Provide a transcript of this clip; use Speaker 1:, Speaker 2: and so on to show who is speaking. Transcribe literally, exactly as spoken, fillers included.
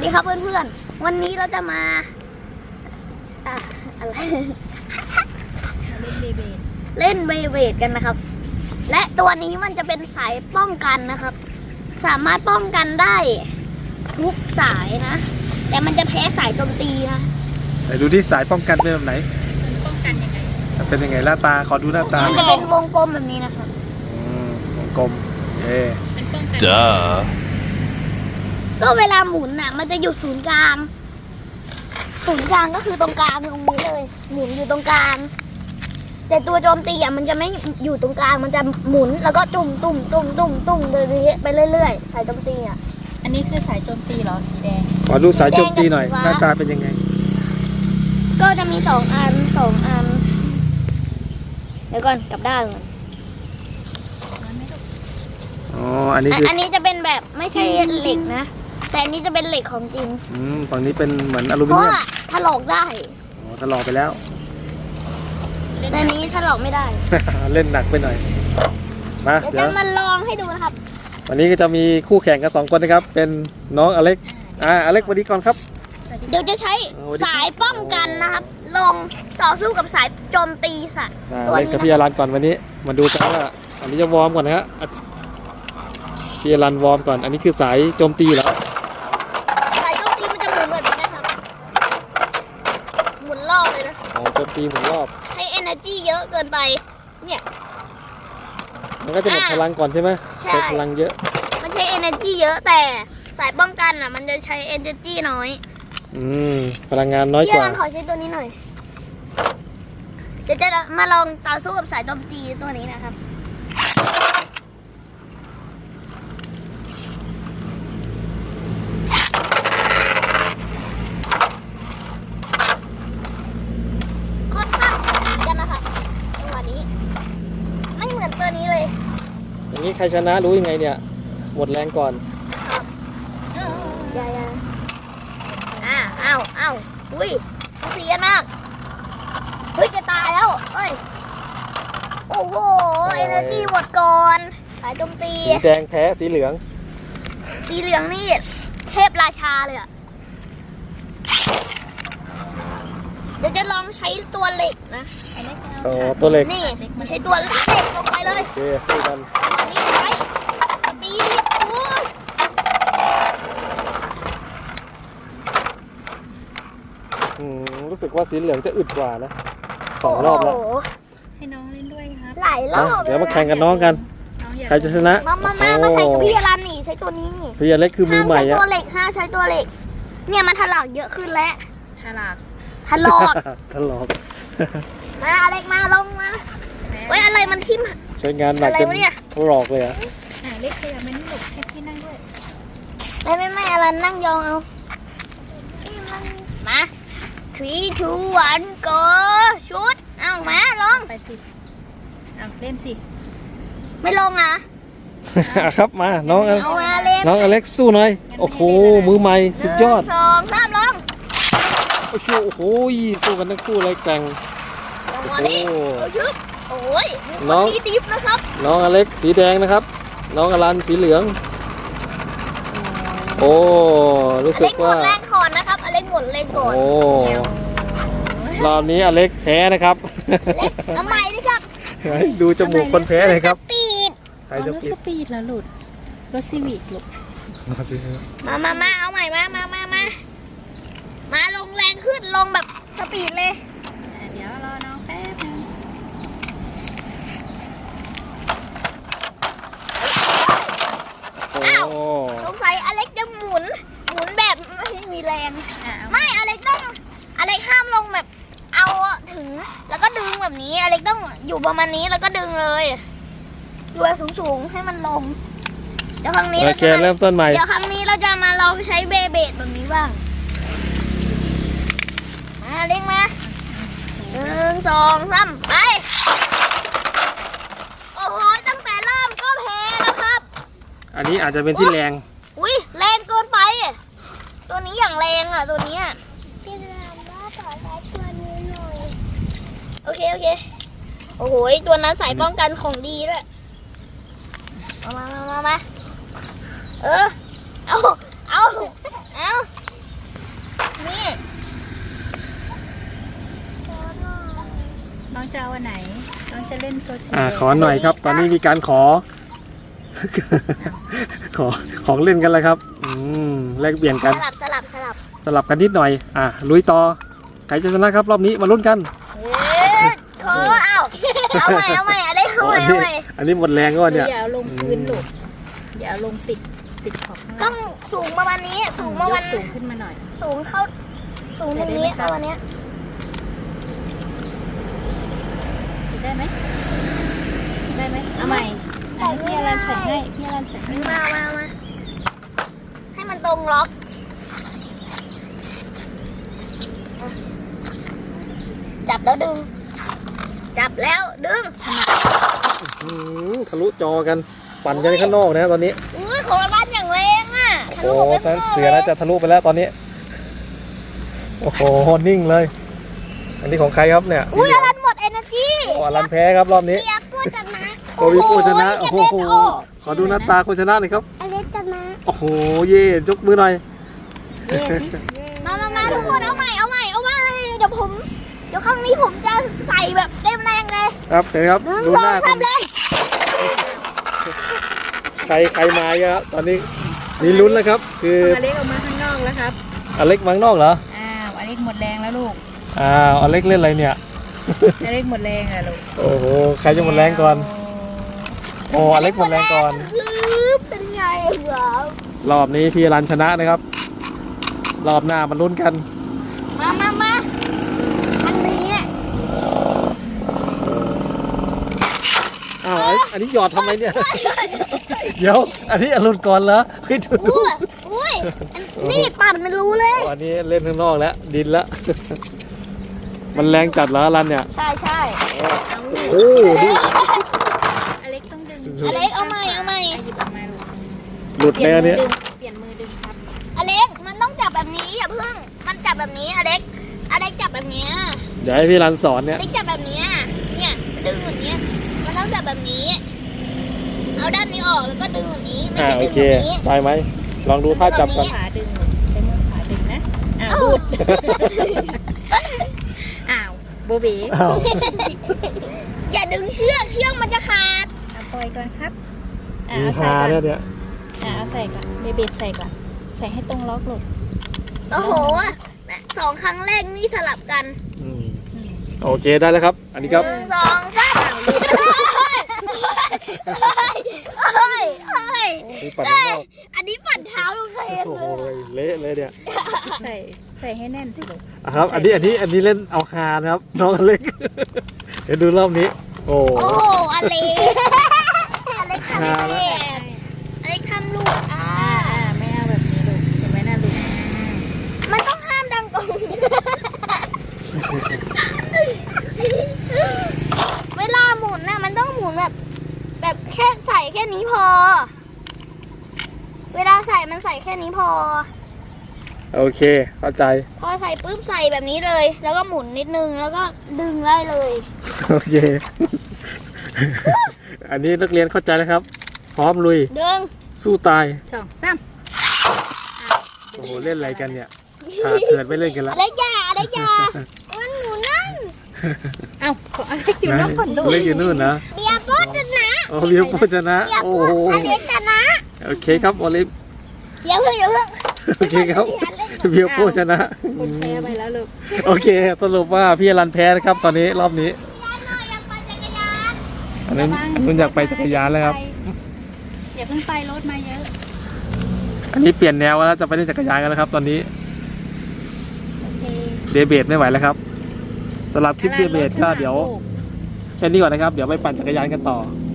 Speaker 1: ดีครับเพื่อนๆวันนี้เราจะมาอะอะไร
Speaker 2: เล่นเบเบด
Speaker 1: เล่นเบเบดกันนะครับและตัวนี้มันจะเป็นสายป้องกันนะครับสามารถป้องกันได้ทุกสายนะแต่มันจะแพ้สายโจมตีนะ
Speaker 3: ไหนดูที่สายป้องกันเป็นแบบไหน
Speaker 2: มันป้องกันยังไง
Speaker 3: เป็นยังไงหน้าตาขอดูหน้าตา
Speaker 1: มันจะเป็นวงกลมแบบนี้นะครับ
Speaker 3: อืมวงกลมเอ๊
Speaker 2: มันป้องกัน
Speaker 4: Duh.
Speaker 1: ก็เวลาหมุนน่ะมันจะอยู่ศูนย์กลางศูนย์กลางก็คือตรงกลางตรงนี้เลยหมุนอยู่ตรงกลางแต่ตัวโจมตีอ่ะมันจะไม่อยู่ตรงกลางมันจะหมุนแล้วก็ตุ่มตุ่มตุ่มตุ่มตุ่มไปเรื่อยๆสายโจมตีอ่ะ
Speaker 2: อันนี้คือสายโจมตีเหรอสีแดง
Speaker 3: ขอดูสายโจมตีหน่อย
Speaker 1: แดงกับสีฟ้า
Speaker 3: หน้าตาเป็นยังไง
Speaker 1: ก็จะมีสองอันสองอันเดี๋ยวก่อนกลับด้านก่อน
Speaker 3: อ๋ออันนี้
Speaker 1: อัน
Speaker 3: คือ
Speaker 1: อันนี้จะเป็นแบบไม่ใช่เหล็กนะแต่อันนี้จะเป็นเหล็กของจริง
Speaker 3: อืมฝั่งนี้เป็นเหมือนอลู
Speaker 1: เพ
Speaker 3: มิ
Speaker 1: ราะ
Speaker 3: เนียม
Speaker 1: ว่าถลอกได้
Speaker 3: อ๋อถลอกไปแล้ว
Speaker 1: แต่อันนี้ถลอกไม่ได้
Speaker 3: เล่นหนักไปหน่อยมา
Speaker 1: เดี๋ยว
Speaker 3: เดี๋ย
Speaker 1: จะ
Speaker 3: ว
Speaker 1: มาลองให้ดูนะครับ
Speaker 3: วันนี้ก็จะมีคู่แข่งกันสองคนนะครับเป็นน้องอเล็กอ่าอเล็กสวัสดีก่อนครับ
Speaker 1: เดี๋ยวจะใช้
Speaker 3: สวัสดีครับ
Speaker 1: สายป้องกันนะครับ ลงต่อสู้กับสายโจมตีสัตว์
Speaker 3: อ่า
Speaker 1: ตัว
Speaker 3: เล่น
Speaker 1: นี้
Speaker 3: กับ
Speaker 1: นะ
Speaker 3: พี่อรันก่อนวันนี้มาดูกันว่าอันนี้จะวอร์มก่อนนะฮะอ่ะพี่อรันวอร์มก่อนอันนี้คือสายโจมตีเหรอ
Speaker 1: สายโจมตีมันจะหมุนแบบนี้นะครับหมุนรอบเลยนะ
Speaker 3: อ๋อโจมตีหมุนรอบ
Speaker 1: ให้ energy เยอะเกินไปเนี่ย
Speaker 3: มันก็จะหมด
Speaker 1: อ่า
Speaker 3: พลังก่อนใช่ไหม
Speaker 1: ใช่
Speaker 3: ใช้พลังเยอะ
Speaker 1: มันใช้ energy เยอะแต่สายป้องกันอ่ะมันจะใช้ energy น้อย
Speaker 3: อืมพลังงานน้อย
Speaker 1: พี่
Speaker 3: กว่า
Speaker 1: รันขอใช้ตัวนี้หน่อยเดี๋ยวจะมาลองต่อสู้กับสายโจมตีตัวนี้นะครับค่อนข้างจะดีกันนะครับจังหวะนี้ไม่เหมือนตัวนี้เลย
Speaker 3: อย่างนี้ใครชนะรู้ยังไงเนี่ยหมดแรงก่อน
Speaker 1: อย่าอย่าอ่าอ้าวอ้าวอุ้ยเสียมากเฮ้ยจะตายแล้วเอ้ยโอ้โหเอเนอร์จีหมดก่อนสายโจมตี
Speaker 3: สีแดงแพ้สีเหลือง
Speaker 1: สีเหลืองนี่เทพราชาเลยอ่ะเดี๋ยวจะลองใช้ตัวเหล็กนะ
Speaker 2: อันนี้เป็น
Speaker 3: อ๋อตัวเล็ก
Speaker 1: นี่ใช้ตัวเหล็กลงไปเลย
Speaker 3: โอเคสู้กัน
Speaker 1: อันนี้ใช้สปีดโอ้ย
Speaker 3: อืมรู้สึกว่าสีเหลืองจะอึดกว่านะสองรอบแล้ว
Speaker 1: โโห
Speaker 2: ให้น้องเล่นด้วยครับ
Speaker 1: หลายรอ
Speaker 3: มา
Speaker 1: บ
Speaker 3: เดี๋ยวมาแข่งกันน้องกัน
Speaker 2: น้องอยาก
Speaker 3: ใครจะชนะ
Speaker 1: มามามามาใช้กับพี่อรันนี่ใช้ตัวนี้นี่
Speaker 3: พี่อเล็กคือมือใหม่
Speaker 1: ห้าใช้
Speaker 3: อะ
Speaker 1: ตัวเหล็กห้ามใช้ตัวเหล็ก เนี่ยมันถลอกเยอะขึ้นแล้ว
Speaker 2: ฉลาด
Speaker 1: ถลอก
Speaker 3: ทะลอก
Speaker 1: มาอเล็กมาลงมาเว้ยอะไรมันทิ่ม
Speaker 3: ใช้งานหนัก
Speaker 1: อะไร
Speaker 3: จน
Speaker 1: วะเนี่ย
Speaker 3: ทะลอกเลยอะ
Speaker 2: อ่าเล็กขยับมันนี่หลบให้พี่นั่งด้วย
Speaker 1: ไม่ไม่ไม่อรันนั่งยองเอามา three two one go ชุดเอามาลง
Speaker 2: ไปสิเอาเล่นสิ
Speaker 1: ไม่ลงนะ
Speaker 3: อ่ะครับมาน้องอ
Speaker 1: เอามาเล่น
Speaker 3: น้องอเล็กสู้หน่อยโอ้โหมือใหม่สุดยอด
Speaker 1: หนึ่งสองสามลง
Speaker 3: โอ้โหโอ้โหสู้กันทั้งคู่เลยแกร่ง
Speaker 1: ลงมาดิ
Speaker 3: โอ้
Speaker 1: เอาชึบโอ้ยมีค
Speaker 3: น้
Speaker 1: น
Speaker 3: อง
Speaker 1: มีดิฟนะครับ
Speaker 3: น้องอเล็กสีแดงนะครับ น้องอลันสีเหลือง โอ้รู้
Speaker 1: อ
Speaker 3: สึ
Speaker 1: เล็
Speaker 3: ก
Speaker 1: กหม
Speaker 3: ว่า
Speaker 1: ดแรงก่อนนะครับอเล็กหมดแรงก่อน
Speaker 3: โอ้รอบนี้อเล็กแพ้นะครับ
Speaker 1: เล็กเอาใหม่ดิครับ
Speaker 3: ให้ดูจมูกคนแพ้เลยครับ
Speaker 1: ปีด
Speaker 3: ใคร
Speaker 2: เอา
Speaker 3: จะ
Speaker 2: รถ
Speaker 3: ปิ
Speaker 2: ส
Speaker 3: ด
Speaker 2: ปีดแล้วหลุดรถซีวิกหลุด
Speaker 3: มาสิครับ
Speaker 1: มามามาเอาใหม่มามามามามาลงแรงขึ้นลงแบบสปีดเลย
Speaker 2: อ่าเดี๋ยวรอน้องแป๊บนึง
Speaker 3: โอ้
Speaker 1: สงสัยอเล็กจะหมุน หมุนแบบไม่มีแรง
Speaker 2: อ่าเอา
Speaker 1: ไม่อเล็กต้องอเล็กห้ามลงแบบ เอาถึงแล้วก็ดึงแบบนี้อเล็กต้องอยู่ประมาณนี้แล้วก็ดึงเลยอยู่สูงสูงๆให้มันลง เดี๋ยวครั้งนี้
Speaker 3: โอ
Speaker 1: เรา
Speaker 3: เค
Speaker 1: จะมา
Speaker 3: เริ่มต้นใหม่
Speaker 1: เดี๋ยวครั้งนี้เราจะมาลองใช้เบเบดแบบนี้บ้างมาอเล็กมาหนึ่งสองสามไปโอ้โหตั้งแต่เริ่มก็แพ้แล้วครับ
Speaker 3: อันนี้อาจจะเป็นที่แรง
Speaker 1: อุ้ยแรงเกินไป ตัวนี้อย่างแรงอ่ะตัวนี้อ่ะพี่รามว่าขอใช้ตัวนี้หน่อย โอเคโอเค โอ้โหตัวนั้นสายป้องกันของดีด้วยมามามามามาเออ เอาเอาเอานี่
Speaker 2: น้องจะเอาอันไหน น้องจะเล่นตัวสี
Speaker 3: อ่า
Speaker 2: แดง
Speaker 3: ขอหน่อยครับ ตอนนี้มีการขอ ขอของเล่นกันแล้วครับ อืมแลกเปลี่ยนกัน
Speaker 1: สลับสลับสลับ
Speaker 3: สลับกันนิดหน่อย อ่ะลุยต่อใครจะชนะครับรอบนี้มาลุ้นกัน
Speaker 1: เอ๊ะขอเอาเอาใหม่เอาใหม่อะไรเอาใหม่
Speaker 3: อัน
Speaker 1: เอา
Speaker 3: นี้
Speaker 1: ใหม่
Speaker 3: อันนี้หมดแรงก็เนี่ย
Speaker 2: อย่าเอาลงพื้นลูกอย่าเอาลงติดติดขอบข้าง
Speaker 1: ต้
Speaker 2: ล่า
Speaker 1: อง งสูงประมาณนี้สูงประมาณ
Speaker 2: ยกสูงขึ้นมาหน่อย
Speaker 1: สูงเข้าสูงตรงนี้ประมาณเนี้ย
Speaker 2: ได้ไหมได้ไหมเอาใหม่อ่ะพี่อรันใส่ให้พี่อรันใส่ให้
Speaker 1: มามามาให้มันตรงล็อกอ่ะจับแล้วดึง จับแล้วดึง
Speaker 3: อืมทะลุจอกันปั่นกันข้างนอกนะตอนนี้
Speaker 1: อุ้ยของร้านอย่างแรงอ่ะทะ
Speaker 3: โอ้
Speaker 1: ลุ
Speaker 3: โห
Speaker 1: ไป
Speaker 3: นั้
Speaker 1: ข้าน งนอก
Speaker 3: เสือน่าจะทะลุไปแล้วตอนนี้ โอ้โหนิ่งเลย อันนี้ของใครครับเนี่ย
Speaker 1: อุ้ยอลันหมดเอเนอร์จี
Speaker 3: โอ้อลันแพ้ครับรอบนี้
Speaker 1: เปียกพูดกันนะ
Speaker 3: โกวิผู้ชนะ โอ้โห
Speaker 1: โอ้โห
Speaker 3: ขอดูหน้าตาคนชนะหน่อยครับ
Speaker 1: อเล็กกันนะ
Speaker 3: โอ้โห เย่ยกมือหน่อย
Speaker 1: มามามาทุกคนเอาใหม่เอาใหม่เอาใหม่เดี๋ยวผม เดี๋ยวครั้งนี้ผมจะใส่แบบเต็มแรงเลย
Speaker 3: ครับเห็นไหมครับ
Speaker 1: หนึ่ง
Speaker 3: ดู
Speaker 1: สอ
Speaker 3: ห
Speaker 1: ง
Speaker 3: น้าค
Speaker 1: สาน มเลย
Speaker 3: ใครใครมาอีกครับ ตอนนี้มีลุ้นแล้วครับ คือ
Speaker 2: อเล็กออกมาข้างนอกแล้วครับ
Speaker 3: อเล็กมังนอกเหรอ
Speaker 2: อ้าวอเล็กหมดแรงแล้วลูก
Speaker 3: อ้าวอเล็กเล่นอะไรเนี่ย
Speaker 2: อเล็กหมดแรงอะลูก
Speaker 3: โอ้โห ใครจะหมดแรงก่อน โอ้อเล็กหมดแรงก่อน
Speaker 1: เป็นไงเหรอ
Speaker 3: รอบนี้พี่รันชนะนะครับ รอบหน้ามันลุ้นกัน
Speaker 1: มามามาอันนี้
Speaker 3: อ้าวไอ้อันนี้หยอดทำไมเนี่ย เดี๋ยว อันนี้อรุณก่อนเหรอเฮ้ยดูดู
Speaker 1: อุ้ยอุ้ยนี่ปั่นมันรู้เลย
Speaker 3: อันนี้เล่นข้างนอกแล้ว ดินแล้ว มันแรงจัดเหรออรันเนี่ย
Speaker 1: ใช่ใช่
Speaker 3: โอ้โหดู
Speaker 2: อเล็กต้องดึง
Speaker 1: อเล็กเอาใหม่เอาใหม่
Speaker 2: หยิบออกมาลูก
Speaker 3: หลุด
Speaker 2: เปลี่
Speaker 3: แน่
Speaker 2: ยนมื
Speaker 3: เนี่
Speaker 2: อย ดึงเปลี่ยนมือดึงครับ
Speaker 1: อเล็กมันต้องจับแบบนี้อย่าเพิ่งมันจับแบบนี้อเล็กอเล็กจับแบบเนี้ย
Speaker 3: เดี๋ยวให้พี่รันสอน
Speaker 1: อ
Speaker 3: เนี่ย
Speaker 1: เล็กจับแบบเนี้ยเนี่ยดึงแบบเนี้ยมันต้องจับแบบนี้ เอาด้านนี้ออกแล้วก็ดึงแบบนี้ไม่
Speaker 3: อ่า
Speaker 1: ใช่
Speaker 3: โอ
Speaker 1: ดึง
Speaker 3: เค
Speaker 1: แบบนี้
Speaker 3: ได้ไหม ลองดูท่าจับก่อน
Speaker 2: ขาดึงลูกใช้มือขาดึงนะอ้าว
Speaker 1: เอ้า
Speaker 2: ดูดอ้าวโบเบ๋
Speaker 3: อ้าว
Speaker 1: อย่าดึงเชือกเชือกมันจะขาด
Speaker 2: เอาปล่อยก่อนครับอ่ะ
Speaker 3: มี
Speaker 2: เอาใส่
Speaker 3: ฮา
Speaker 2: ก่อน
Speaker 3: เนี่ยเนี่ย
Speaker 2: อ่ะเอาใส่ก่อนเบเบใส่ก่อนใส่ให้ตรงล็อกลูก
Speaker 1: โอ้โหสองครั้งแรกนี่สลับกัน
Speaker 3: อืมโอเคได้แล้วครับ อันนี้ครับ
Speaker 1: หนึ่งสองสามเฮ้ยเฮ้ยเฮ้ย
Speaker 3: นี่ปั่นข้างนอก
Speaker 1: อันนี้ปั่นเท้าลูกเทน
Speaker 3: โอ้
Speaker 1: เล
Speaker 3: โห
Speaker 1: ย
Speaker 3: เละเลยเนี่ย
Speaker 2: ใส่ใส่ให้แน่นสิลูก
Speaker 3: อ่ะครับ อันนี้อันนี้อันนี้เล่นเอาฮานะครับ น้องอเล็ก เดี๋ยวดูรอบนี้ โอ้
Speaker 1: โอ้โหอเล็กอเล็กทำ
Speaker 3: หา
Speaker 1: แบ
Speaker 3: แล้ว
Speaker 1: บอเล็กทำลูกอ่า
Speaker 2: อ่าอ่าไม่เอาแบบนี้ลูกเห็นไหมน่าลูก
Speaker 1: มันต้องห้ามดังกงเวลาหมุนน่ะมันต้องหมุนแบบ แบบแค่ใส่แค่นี้พอ เวลาใส่มันใส่แค่นี้พอ
Speaker 3: โอเค เข้าใจ
Speaker 1: พอใส่ปุ๊บใส่แบบนี้เลย แล้วก็หมุนนิดนึงแล้วก็ดึงได้เลย
Speaker 3: โอเค อันนี้นักเรียนเข้าใจแล้วครับ พร้อมลุย
Speaker 1: ดึง
Speaker 3: สู้ตาย
Speaker 2: สองสาม
Speaker 3: โอ้โห เล่นอะไรกันเนี่ยขาดเถื่อนไม่เล่นกันละ
Speaker 1: อะไรยาอะไรยามันหมุนนั่น
Speaker 2: เอ้าขออเล็กอยู่นอกก่อนลูก
Speaker 3: เล่นอยู่นู่นนะ
Speaker 1: เบียร์โป๊ชนะ
Speaker 3: โอ้เบียร์โภชนะ
Speaker 1: เบียร์
Speaker 3: โอ้
Speaker 1: โป๊
Speaker 3: โห
Speaker 1: อเล็กชนะ
Speaker 3: โอเคครับโอลิฟ
Speaker 1: อย่าเพิ่งอย่าเพิ่ง
Speaker 3: โอเคครับ เบียร์โภชนะ
Speaker 2: คุณแพ้ไปแล้วลูก
Speaker 3: โอเค สรุปว่าพี่อรันแพ้นะครับ ตอนนี้รอบนี้
Speaker 1: ยานหน่อยอยากปั่นจักรยาน
Speaker 3: อันนั้นอันนู้นอยากไปจักรยานแล้วครับ
Speaker 2: อย่าเพิ่งไปรถมาเยอะ
Speaker 3: อันนี้เปลี่ยนแนวแล้วจะไปเล่นจักรยานกันแล้วครับ ตอนนี้
Speaker 2: โอเค
Speaker 3: เดเบตไม่ไหวแล้วครับสำหรับคลิปเดเบตก็เดี๋ยวแค่นี้ก่อนนะครับ เดี๋ยวไปปั่นจักรยานกันต่อ
Speaker 2: โ